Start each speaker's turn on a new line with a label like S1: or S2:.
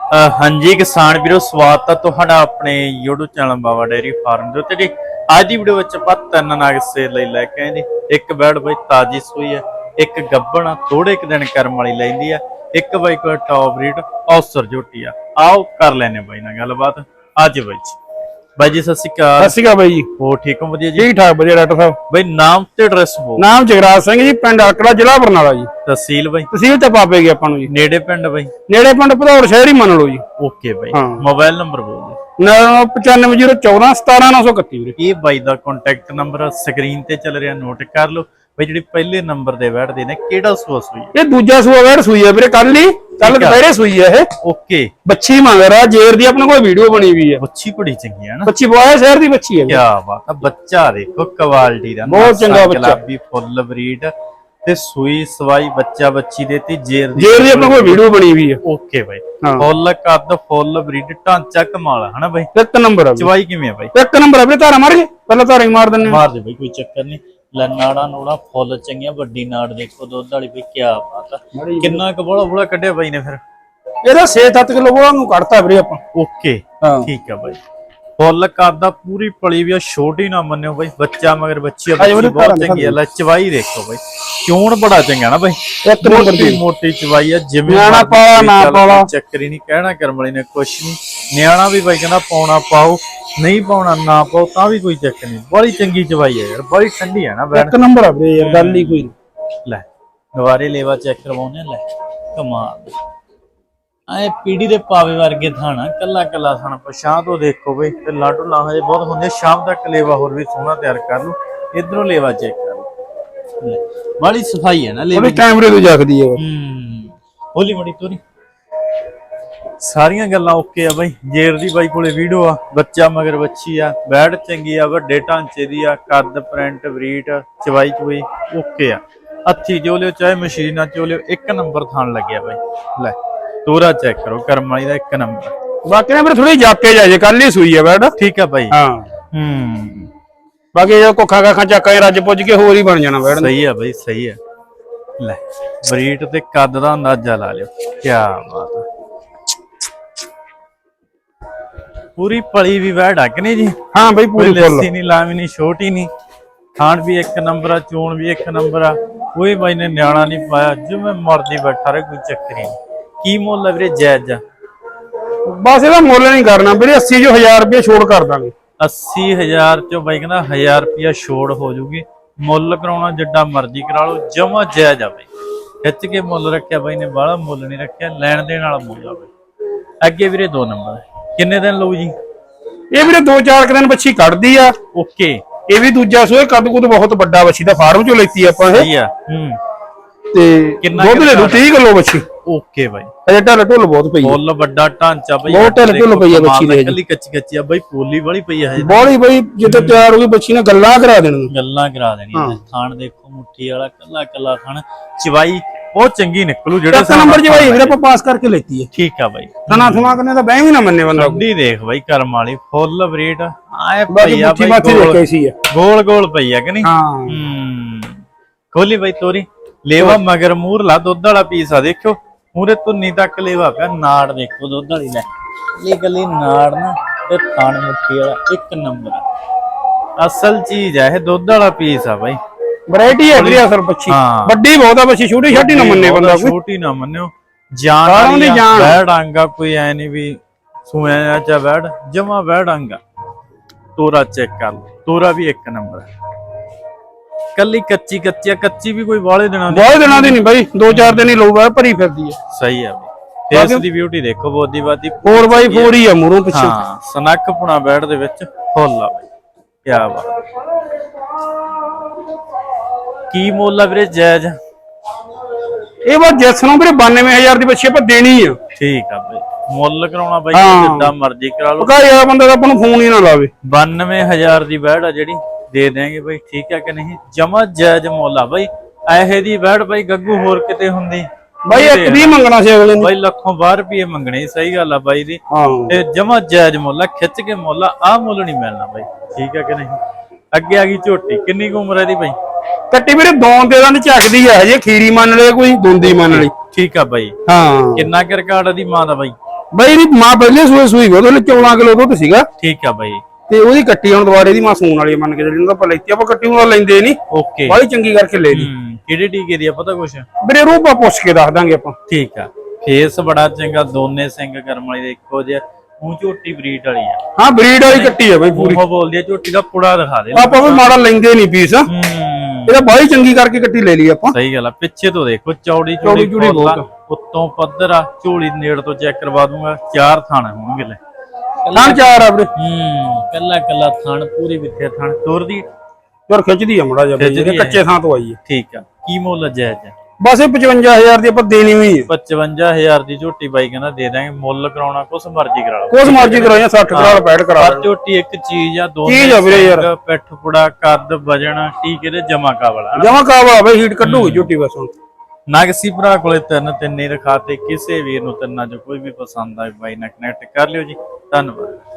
S1: हाँ जी किसान वीरो स्वागत है तुहाडा अपने YouTube channel Baba dairy farm दे उत्ते जी। आज की वीडियो विच आपां तीन नाग सेल लई लैके आए जी। एक बैड़ बई ताजी सूई है, एक गब्बण आ थोड़े क दिन करम वाली लैंदी है, एक बई कोई टॉप ब्रीड औसर झोटी आ। आओ कर लैने बई नाल गलबात। आज बाई जी सत श्री अकाल।
S2: सत श्री अकाल बाई जी।
S1: हो ठीक हो? वधिया जी,
S2: ठीक ठाक वधिया डॉक्टर साहब।
S1: बई नाम ते एड्रेस बोल।
S2: नाम जगराज सिंह जी, पिंड अकड़ा, जिला बरनाला जी।
S1: तहसील बई?
S2: तहसील ते पापे गए अपन जी।
S1: नेड़े पिंड बई?
S2: नेड़े पिंड भदौड़ शहर ही मान लो जी।
S1: ओके बई।
S2: हाँ।
S1: मोबाइल नंबर बोल दे।
S2: 9501417931 ਵੀਰੇ।
S1: ਇਹ ਬਾਈ ਦਾ ਕੰਟੈਕਟ ਨੰਬਰ ਸਕਰੀਨ ਤੇ ਚੱਲ ਰਿਹਾ, ਨੋਟ ਕਰ ਲਓ। ਬਈ ਜਿਹੜੀ ਪਹਿਲੇ ਨੰਬਰ ਦੇ ਬੈਠਦੇ ਨੇ ਕਿਹੜਾ ਸੂਆ ਸੂਈ ਹੈ?
S2: ਇਹ ਦੂਜਾ ਸੂਆ ਵੈੜ ਸੂਈ ਹੈ ਵੀਰੇ, ਕੱਲ ਦੁਪਹਿਰੇ ਸੂਈ ਹੈ ਇਹ।
S1: ਓਕੇ।
S2: ਬੱਚੀ ਮੰਗ ਰਿਹਾ ਜੇਰ ਦੀ, ਆਪਣੇ ਕੋਲ ਵੀਡੀਓ ਬਣੀ ਹੋਈ ਹੈ।
S1: ਬੱਚੀ ਬੜੀ ਚੰਗੀ ਹੈ ਨਾ।
S2: ਬੱਚੀ ਬੋਇਆ ਸ਼ਹਿਰ ਦੀ ਬੱਚੀ ਹੈ।
S1: ਕੀ ਬਾਤ ਹੈ। ਬੱਚਾ ਦੇਖੋ ਕੁਆਲਿਟੀ ਦਾ,
S2: ਬਹੁਤ ਚੰਗਾ ਬੱਚਾ,
S1: ਗੁਲਾਬੀ ਫੁੱਲ ਬਰੀਡ ਤੇ ਸੂਈ ਸਵਾਈ ਬੱਚਾ ਬੱਚੀ ਦੇਤੀ ਜੇਰ ਦੀ
S2: ਆਪਣੇ ਕੋਲ ਵੀਡੀਓ ਬਣੀ ਹੋਈ ਹੈ।
S1: ਓਕੇ ਬਾਈ। ਫੁੱਲ ਕੱਦ ਫੁੱਲ ਬਰੀਡ ਢਾਂਚਾ ਕਮਾਲ ਹੈ ਨਾ ਬਾਈ।
S2: ਇੱਕ ਨੰਬਰ ਹੈ।
S1: ਚਵਾਈ ਕਿਵੇਂ ਹੈ ਬਾਈ?
S2: ਇੱਕ ਨੰਬਰ ਹੈ ਵੀਰੇ। ਧਾਰਾ ਮਾਰ ਕੇ ਪਹਿਲਾਂ ਧਾਰਾ ਹੀ ਮਾਰ ਦਿੰਨੇ,
S1: ਮਾਰ ਦੇ ਬਾਈ, ਕੋਈ ਚੱਕਰ ਨਹੀਂ। ਨਾੜਾ ਨੂੜਾ ਫੁੱਲ ਚੰਗੀਆਂ, ਵੱਡੀ ਨਾੜ ਦੇਖੋ ਦੁੱਧ ਵਾਲੀ ਬਈ। ਕੀ ਬਾਤ ਹੈ। ਕਿੰਨਾ ਕੁ ਬੋਲਾ ਬੋਲਾ ਕੱਢਿਆ ਬਾਈ ਨੇ ਫਿਰ?
S2: ਇਹਦਾ 6-7 ਕਿਲੋ ਬੋਲਾ ਨੂੰ ਕੱਢਤਾ ਵੀਰੇ ਆਪਾਂ।
S1: ਓਕੇ ਠੀਕ ਹੈ ਬਾਈ। ਫੁੱਲ ਕਰਦਾ ਪੂਰੀ ਪਲੀ ਵੀ ਆ, ਛੋਟੀ ਨਾ ਮੰਨਿਓ ਬਾਈ। ਬੱਚਾ ਮਗਰ ਬੱਚੀ ਆ, ਬੱਚੀ ਬਹੁਤ ਚੰਗੀ ਆ। ਲੈ ਚਵਾਈ ਦੇਖੋ ਬਾਈ, ਚੋਣ ਬੜਾ ਚੰਗਾ ਨਾ ਬਾਈ।
S2: ਇੱਕ ਨੰਬਰ ਦੀ
S1: ਮੋਟੀ ਚਵਾਈ ਆ, ਜਿਵੇਂ
S2: ਨਿਆਣਾ ਪਾਲਾ ਨਾ ਪਾਲਾ
S1: ਚੱਕਰ ਹੀ ਨਹੀਂ। ਕਹਿਣਾ ਕਰਮ ਵਾਲੀ ਨੇ ਕੁਛ ਨਹੀਂ। ਨਿਆਣਾ ਵੀ ਬਾਈ ਕਹਿੰਦਾ ਪਾਉਣਾ ਪਾਓ, ਨਹੀਂ ਪਾਉਣਾ ਨਾ ਪਾਓ, ਤਾਂ ਵੀ ਕੋਈ ਚੱਕਰ ਨਹੀਂ। ਬੜੀ ਚੰਗੀ ਚਵਾਈ ਆ ਯਾਰ, ਬੜੀ ਠੰਡੀ ਆ ਨਾ।
S2: ਇੱਕ ਨੰਬਰ ਆ ਵੀਰੇ ਯਾਰ, ਗੱਲ ਹੀ ਕੋਈ ਨਹੀਂ।
S1: ਲੈ ਦੁਬਾਰੇ ਲੇਵਾ ਚੈੱਕ ਕਰਵਾਉਣੇ। ਲੈ ਕਮਾਲ ਐ ਪੀੜੀ ਦੇ ਪਾਵੇ ਵਰਗੇ ਥਾਣਾ, ਕੱਲਾ ਕੱਲਾ ਥਾਣਾ। ਪਛਾਂ ਤੋਂ ਦੇਖੋ ਬਈ, ਤੇ ਲਾਡੂ ਲਾ ਹਜੇ ਬਹੁਤ ਹੁੰਦੇ। ਸ਼ਾਮ ਤੱਕ ਲੇਵਾ ਹੋਰ ਵੀ ਸੋਹਣਾ ਤਿਆਰ ਕਰ ਲੂ। ਇਧਰੋਂ ਲੇਵਾ ਚੈੱਕ ਕਰ ਲੂ, ਬੜੀ ਸਫਾਈ ਹੈ ਨਾ ਲੇਵੇ।
S2: ਕੈਮਰੇ ਤੋਂ ਜਗਦੀ ਹੈ।
S1: ਹੋਲੀ ਮੜੀ ਤੋਰੀ ਸਾਰੀਆਂ ਗੱਲਾਂ ਓਕੇ ਆ ਬਾਈ। ਜੇਰ ਦੀ ਬਾਈ ਕੋਲੇ ਵੀਡੀਓ ਆ, ਬੱਚਾ ਮਗਰ ਬੱਚੀ ਆ, ਬੈੜ ਚੰਗੀ ਆ, ਵੱਡੇ ਢਾਂਚੇ ਦੀ ਆ, ਕੱਦ ਪ੍ਰਿੰਟ ਬਰੀਟ ਚਵਾਈ ਚੁਈ ਓਕੇ ਆ। ਹੱਥੀ ਜੋ ਲਿਓ ਚਾਹੇ ਮਸ਼ੀਨਾਂ ਚੋ ਲਿਓ, ਇੱਕ ਨੰਬਰ ਥਾਣ ਲੱਗਿਆ ਬਾਈ। ਲੈ ਤੋਰਾ ਚੈੱਕ ਕਰੋ, ਕਰਮ ਵਾਲੀ ਦਾ ਇੱਕ ਨੰਬਰ।
S2: ਬਾਕੀ ਨਾ ਵੀਰੇ ਥੋੜੀ ਜਾਪੇ ਜਾਏ, ਕੱਲ ਹੀ ਸੂਈ ਹੈ ਬੈਡ।
S1: ਠੀਕ ਆ ਬਾਈ।
S2: ਹਾਂ ਬਾਕੀ ਜੇ ਕੋਖਾ ਕਾਖਾ ਚੱਕਾ ਰੱਜ ਪੁੱਜ ਕੇ ਹੋਰ ਹੀ ਬਣ ਜਾਣਾ ਬੈਡ।
S1: ਸਹੀ ਆ ਬਾਈ, ਸਹੀ ਆ। ਲੈ ਬਰੀਟ ਤੇ ਕੱਦ ਦਾ ਅੰਦਾਜ਼ਾ ਲਾ ਲਿਓ। ਕੀ ਬਾਤ ਆ। ਪੂਰੀ ਪਲੀ ਵੀ ਬੈਡ ਆ ਕਿ ਨਹੀਂ ਜੀ? ਹਾਂ ਬਾਈ ਪੂਰੀ ਲੱਸੀ ਨਹੀਂ, ਲਾਵੀ ਨਹੀਂ, ਛੋਟੀ ਨਹੀਂ। ਖਾਣ ਵੀ ਇੱਕ ਨੰਬਰ ਆ, ਚੋਣ ਵੀ ਇੱਕ ਨੰਬਰ ਆ। ਕੋਈ ਬਾਈ ਨੇ ਨਿਆਣਾ ਨਹੀਂ ਪਾਇਆ, ਜਿਵੇਂ ਮਰਦੀ ਬੈਠਾ ਰਹੇ, ਕੋਈ ਚੱਕਰ ਨਹੀਂ। ਕੀ ਮੁੱਲ ਆ ਵੀਰੇ? ਜਾਇਜ਼ ਆ
S2: ਬਸ, ਇਹਦਾ ਮੁੱਲ ਨਹੀਂ ਕਰਨਾ ਵੀਰੇ। 80 ਜੋ 1000 ਰੁਪਏ ਛੋੜ ਕਰ ਦਾਂਗੇ।
S1: 80,000 ਚੋਂ ਬਾਈ ਕਹਿੰਦਾ 1000 ਰੁਪਇਆ ਛੋੜ ਹੋ ਜੂਗੀ। ਮੁੱਲ ਕਰਾਉਣਾ ਜਿੱਡਾ ਮਰਜ਼ੀ ਕਰਾ ਲਓ, ਜਮਾ ਜਾਇਜ਼ ਆ ਬਾਈ। ਖਿੱਚ ਕੇ ਮੁੱਲ ਰੱਖਿਆ ਬਾਈ ਨੇ, ਬਾਹਲਾ ਮੁੱਲ ਨਹੀਂ ਰੱਖਿਆ। ਲੈਣ ਦੇਣ ਵਾਲਾ ਮੁੱਲ ਆ ਬਾਈ। ਅੱਗੇ ਵੀਰੇ 2 ਨੰਬਰ ਕਿੰਨੇ ਦਿਨ ਲਊ ਜੀ?
S2: ਇਹ ਵੀਰੇ 2-4 ਦਿਨ ਬੱਚੀ ਕੱਢਦੀ ਆ।
S1: ਓਕੇ।
S2: ਇਹ ਵੀ ਦੂਜਾ ਸੋਏ, ਕੱਦ ਕੁੱਦ ਬਹੁਤ ਵੱਡਾ ਬੱਚੀ ਦਾ, ਫਾਰਮ ਚੋਂ ਲੈਤੀ ਆਪਾਂ ਇਹ।
S1: ਸਹੀ ਆ।
S2: ਤੇ ਦੁੱਧ ਦੇ ਦੂ 30 ਕਿਲੋ ਬੱਚੀ।
S1: ਓਕੇ ਬਾਈ।
S2: ਅਜੇ ਢੱਲ ਢੁੱਲ ਬਹੁਤ ਪਈ ਹੈ।
S1: ਫੁੱਲ ਵੱਡਾ ਢਾਂਚਾ ਬਾਈ,
S2: ਬਹੁਤ ਢੱਲ ਢੁੱਲ ਪਈ ਹੈ ਬੱਚੀ ਦੇ।
S1: ਕੱਲੀ ਕੱਚੀ ਕੱਚੀ ਆ ਬਾਈ, ਪੋਲੀ ਵਾਲੀ ਪਈ ਹੈ
S2: ਬੋਲੀ ਬਾਈ। ਜਦੋਂ ਤਿਆਰ ਹੋ ਗਈ ਬੱਚੀ ਨੇ ਗੱਲਾਂ ਕਰਾ ਦੇਣੀਆਂ,
S1: ਗੱਲਾਂ ਕਰਾ ਦੇਣੀਆਂ। ਥਾਣ ਦੇਖੋ, ਮੁੱਠੀ ਵਾਲਾ ਕੱਲਾ ਕੱਲਾ ਥਾਣ। ਚਵਾਈ ਬਹੁਤ ਚੰਗੀ ਨਿਕਲੂ। ਜਿਹੜਾ
S2: ਇੱਕ ਨੰਬਰ ਚਵਾਈ ਵੀਰੇ ਆਪਾਂ ਪਾਸ ਕਰਕੇ ਲੈਤੀ ਹੈ।
S1: ਠੀਕ ਆ ਬਾਈ।
S2: ਤਨਾ ਥਮਾ ਕਰਨੇ ਤਾਂ ਬਹਿ ਵੀ ਨਾ ਮੰਨੇ ਬੰਦਾ।
S1: ਅੱਡੀ ਦੇਖ ਬਾਈ, ਕਰਮ ਵਾਲੀ ਫੁੱਲ ਬਰੀਡ ਆਏ
S2: ਬਾਈ ਆ ਬਾਈ।
S1: ਗੋਲ ਗੋਲ ਪਈ ਆ ਕਿ ਨਹੀਂ?
S2: ਹਾਂ
S1: ਖੋਲੀ ਬਾਈ ਤੋਰੀ। ਲੇਵਾ ਮਗਰ ਮੂਰਲਾ ਦੁੱਧ ਵਾਲਾ ਪੀਸ ਆ, ਦੇਖਿਓ ਮੂਰੇ ਧੁੰਨੀ ਤੱਕ ਲੇਵਾ ਪਿਆ। ਨਾੜ ਦੇਖੋ ਦੁੱਧ ਵਾਲੀ। ਲੈ ਇਹ ਗੱਲੀ ਨਾੜ ਨਾ ਤੇ ਥਾਣ ਮੁੱਠੀ ਵਾਲਾ ਇੱਕ ਨੰਬਰ ਅਸਲ ਚੀਜ਼ ਆ ਇਹ। ਦੁੱਧ ਵਾਲਾ ਪੀਸ ਆ ਬਾਈ।
S2: ਵੈਰਾਈਟੀ ਹੈ ਵੀਰੇ ਅਸਲ ਬੱਚੀ। ਵੱਡੀ ਬਹੁਤ ਆ ਬੱਚੀ, ਛੋਟੀ ਛੋਟੀ ਨਾ ਮੰਨੇ ਬੰਦਾ। ਕੋਈ
S1: ਛੋਟੀ ਨਾ ਮੰਨਿਓ, ਜਾਨ ਦੀ ਜਾਨ। ਬੈੜ ਆਂਗਾ ਕੋਈ ਐ ਨਹੀਂ ਵੀ ਸੂਇਆ ਚਾ ਬੈੜ, ਜਮਾ ਬੈੜ ਆਂਗਾ। ਤੋਰਾ ਚੈੱਕ ਕਰ ਲਓ, ਤੋਰਾ ਵੀ ਇੱਕ ਨੰਬਰ। ਕੱਲੀ ਕੱਚੀ ਕੱਚੀ ਆ, ਕੱਚੀ ਵੀ ਕੋਈ ਵਾਲੇ ਦਿਨਾਂ
S2: ਦੀ ਨਹੀਂ ਬਾਈ। 2-4 ਦਿਨ ਹੀ ਲਊਗਾ, ਭਰੀ ਫਿਰਦੀ ਹੈ।
S1: ਸਹੀ ਆ ਬਾਈ। ਫੇਸ ਦੀ ਬਿਊਟੀ ਦੇਖੋ, ਬੋਦੀ ਬਾਦੀ
S2: 4x4 ਹੀ ਆ ਮੂਰੋਂ ਪਿੱਛੇ।
S1: ਹਾਂ ਸਨੱਖ ਪੁਣਾ ਬੈੜ ਦੇ ਵਿੱਚ ਫੁੱਲ ਆ ਬਾਈ। ਕੀ ਬਾਤ। ਕੀ ਮੁੱਲ ਆ ਵੀਰੇ? ਜਾਇਜ਼
S2: ਇਹ ਬਾਤ ਜਿਸ ਨੂੰ ਵੀਰੇ 92,000 ਦੀ ਬੱਚੀ ਆਪਾਂ ਦੇਣੀ ਆ।
S1: ਠੀਕ ਆ ਬਾਈ। ਮੁੱਲ ਕਰਾਉਣਾ ਬਾਈ ਜਿੱਦਾਂ ਮਰਜ਼ੀ ਕਰਾ ਲਓ।
S2: ਪਕਾ ਯਾਰ ਬੰਦਾ ਤਾਂ ਆਪਾਂ ਨੂੰ ਫੋਨ ਹੀ ਨਾ ਲਾਵੇ।
S1: 92,000 ਦੀ ਬੈੜ ਆ ਜਿਹੜੀ, ਦੇ ਦੇਂਗੇ ਬਾਈ। ਠੀਕ ਆ ਕਿ ਨਹੀਂ? ਜਮਾ ਜਾਇਜ਼ ਮੁੱਲ ਆ ਬਾਈ। ਇਹੋ ਦੀ ਬੈੜ ਬਾਈ ਗੱਗੂ ਹੋਰ ਕਿਤੇ ਹੁੰਦੀ
S2: ਬਾਈ? ਇੱਕ ਵੀ ਮੰਗਣਾ ਸੀ ਅਗਲੇ ਨੇ
S1: ਬਾਈ। ਲੱਖੋਂ 12 ਰੁਪਏ ਮੰਗਣੇ। ਸਹੀ ਗੱਲ ਆ ਬਾਈ ਦੀ। ਤੇ ਜਮਾ ਜਾਇਜ਼ ਮੁੱਲ ਆ, ਖਿੱਚ ਕੇ ਮੁੱਲ ਆ ਮੁੱਲ ਨਹੀਂ ਮਿਲਣਾ ਬਾਈ। ਠੀਕ ਆ ਕਿ ਨਹੀਂ? ਅੱਗੇ ਆ ਗਈ ਝੋਟੀ। ਕਿੰਨੀ ਕੁ ਉਮਰ ਹੈ ਦੀ ਬਾਈ?
S2: ਕੱਟੀ ਵੀਰੇ ਦੋਨ ਦੇ ਦੰਦ ਝੱਕਦੀ ਆ ਹਜੇ। ਖੀਰੀ ਮੰਨ ਲਏ ਕੋਈ, ਦੁੰਦੀ ਮੰਨ ਲਈ।
S1: ਠੀਕ ਆ ਬਾਈ।
S2: ਹਾਂ
S1: ਕਿੰਨਾ ਕੁ ਰਿਕਾਰਡ ਦੀ ਮਾਂ ਦਾ ਬਾਈ?
S2: ਬਈ ਦੀ ਮਾਂ ਪਹਿਲੇ ਸੂਈ ਉਹਦੇ ਲਈ 14 ਕਿਲੋ ਦੁੱਧ ਸੀਗਾ
S1: ਠੀਕ ਆ ਬਾਈ
S2: ਤੇ ਉਹਦੀ ਕੱਟੀ ਹੁਣ ਦੁਬਾਰੇ ਦੀ ਮਾਂ ਸੂਣ ਵਾਲੀ ਮੰਨ ਕੇ ਜਿਹੜੀ ਆਪਾਂ ਲੈਤੀ ਆਪਾਂ ਕੱਟੀ ਨੂੰ ਲੈਂਦੇ ਨਹੀਂ
S1: ਓਕੇ
S2: ਬਾਈ ਚੰਗੀ ਕਰਕੇ ਲੈ ਲਈ
S1: ਕਿਹੜੇ ਟੀਕੇ ਦੀ ਆ ਪਤਾ ਕੁਛ
S2: ਵੀਰੇ ਰੂਪਾ ਪੁੱਛ ਕੇ ਦੱਸ ਦਾਂਗੇ ਆਪਾਂ
S1: ਠੀਕ ਆ ਫੇਸ ਬੜਾ ਚੰਗਾ ਦੋਨੇ ਸਿੰਘ ਕਰਮ ਵਾਲੀ ਦੇ ਇੱਕੋ ਜਿਹਾ ਮੂੰਹ ਝੋਟੀ ਬਰੀਡ ਵਾਲੀ ਆ
S2: ਹਾਂ ਬਰੀਡ ਵਾਲੀ ਕੱਟੀ ਆ ਬਈ ਪੂਰੀ
S1: ਉਹ ਬੋਲਦੀ ਆ ਝੋਟੀ ਦਾ ਪੁੜਾ ਦਿਖਾ ਦੇ
S2: ਆਪਾਂ ਵੀ ਮਾੜਾ ਲੈਂਦੇ ਨਹੀਂ ਪੀਸ ਇਹਦਾ ਬਾਈ ਚੰਗੀ ਕਰਕੇ ਕੱਟੀ ਲੈ ਲਈ ਆਪਾਂ
S1: ਸਹੀ ਗੱਲ ਆ ਪਿੱਛੇ ਤੋਂ ਦੇਖੋ ਚੌੜੀ
S2: ਚੌੜੀ
S1: ਚੌੜੀ
S2: ਬਹੁਤ
S1: ਉੱਤੋਂ ਪੱਧਰ ਆ ਝੋਲੀ ਨੇੜ ਤੋਂ ਚੈੱਕ ਕਰਵਾ ਦੂੰਗਾ 4 ਥਣ ਹੋਣਗੇ ਲੈ
S2: ਥਣ 4 ਆ ਵੀਰੇ
S1: ਕੱਲਾ ਕੱਲਾ ਥਣ ਪੂਰੀ ਵਿੱਥੇ ਥਣ ਤੁਰਦੀ
S2: ਯਾਰ ਖਿੱਚਦੀ ਆ ਮੜਾ ਜਿਹਾ ਬਈ ਕੱਚੇ ਥਾਂ ਤੋਂ ਆਈ ਹੈ
S1: ਠੀਕ ਆ ਕੀ ਮੁੱਲ ਜਾਇਜ਼ ਆ
S2: ਬਸ ਇਹ 55000 ਦੀ ਆਪਾਂ ਦੇਣੀ ਹੋਈ ਹੈ
S1: 55000 ਦੀ ਝੋਟੀ ਬਾਈ ਕਹਿੰਦਾ ਦੇ ਦਾਂਗੇ ਮੁੱਲ ਕਰਾਉਣਾ ਕੁਛ ਮਰਜ਼ੀ ਕਰਾ ਲਓ
S2: ਕੁਛ ਮਰਜ਼ੀ ਕਰਾਇਆ 60 ਕਰਾਲ ਪੈਡ ਕਰਾ
S1: ਪਰ ਝੋਟੀ ਇੱਕ ਚੀਜ਼ ਆ
S2: ਚੀਜ਼ ਆ ਵੀਰੇ ਯਾਰ।
S1: ਪਿੱਠ ਪੁੜਾ ਕੱਦ ਵਜਣ ਟੀਕੇ ਦੇ ਜਮਾ ਕਾਬਲ
S2: ਜਮਾ ਕਾਵਾ ਬਈ ਹੀਟ ਕੱਢੂਗੀ ਝੋਟੀ ਬਸ ਹੁਣ
S1: ਨਗਸੀ ਭਰਾ ਕੋਲੇ ਤਿੰਨ ਹੀ ਰਖਾਤੇ ਕਿਸੇ ਵੀਰ ਨੂੰ ਤਿੰਨਾਂ ਚੋਂ ਕੋਈ ਵੀ ਪਸੰਦ ਆਏ ਬਾਈ ਨਾਲ ਕਨੈਕਟ ਕਰ ਲਿਓ ਜੀ ਧੰਨਵਾਦ